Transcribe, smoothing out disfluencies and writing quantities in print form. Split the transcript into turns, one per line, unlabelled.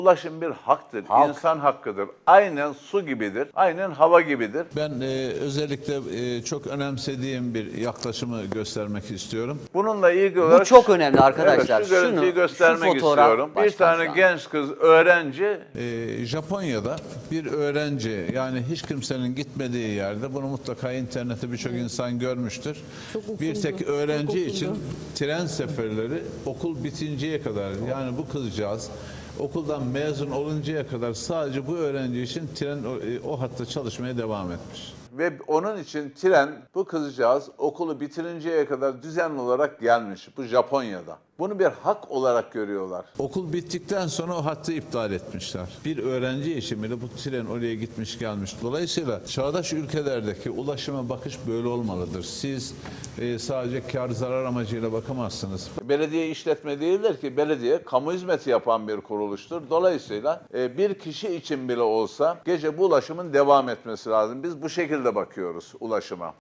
Ulaşım bir haktır,
Halk.
insan hakkıdır. Aynen su gibidir, aynen hava gibidir.
Ben özellikle çok önemsediğim bir yaklaşımı göstermek istiyorum.
Bununla ilgili olarak...
Bu çok önemli arkadaşlar.
Evet, şu görüntüyü göstermek
şu fotoğraf
istiyorum. Bir
baştan
tane
şu an.
genç kız, öğrenci,
Japonya'da bir öğrenci, yani hiç kimsenin gitmediği yerde, bunu mutlaka internette birçok insan görmüştür. Bir tek öğrenci için tren seferleri okul bitinceye kadar, yani bu kızcağız okuldan mezun oluncaya kadar sadece bu öğrenci için tren o hatta çalışmaya devam etmiş.
ve onun için tren, bu kızcağız okulu bitirinceye kadar düzenli olarak gelmiş. Bu Japonya'da. Bunu bir hak olarak görüyorlar.
Okul bittikten sonra o hattı iptal etmişler. Bir öğrenci için bile bu tren oraya gitmiş gelmiş. Dolayısıyla çağdaş ülkelerdeki ulaşıma bakış böyle olmalıdır. Siz sadece kar zarar amacıyla bakamazsınız.
Belediye işletme değildir ki, belediye kamu hizmeti yapan bir kuruluştur. Dolayısıyla bir kişi için bile olsa gece bu ulaşımın devam etmesi lazım. Biz bu şekilde bakıyoruz ulaşıma.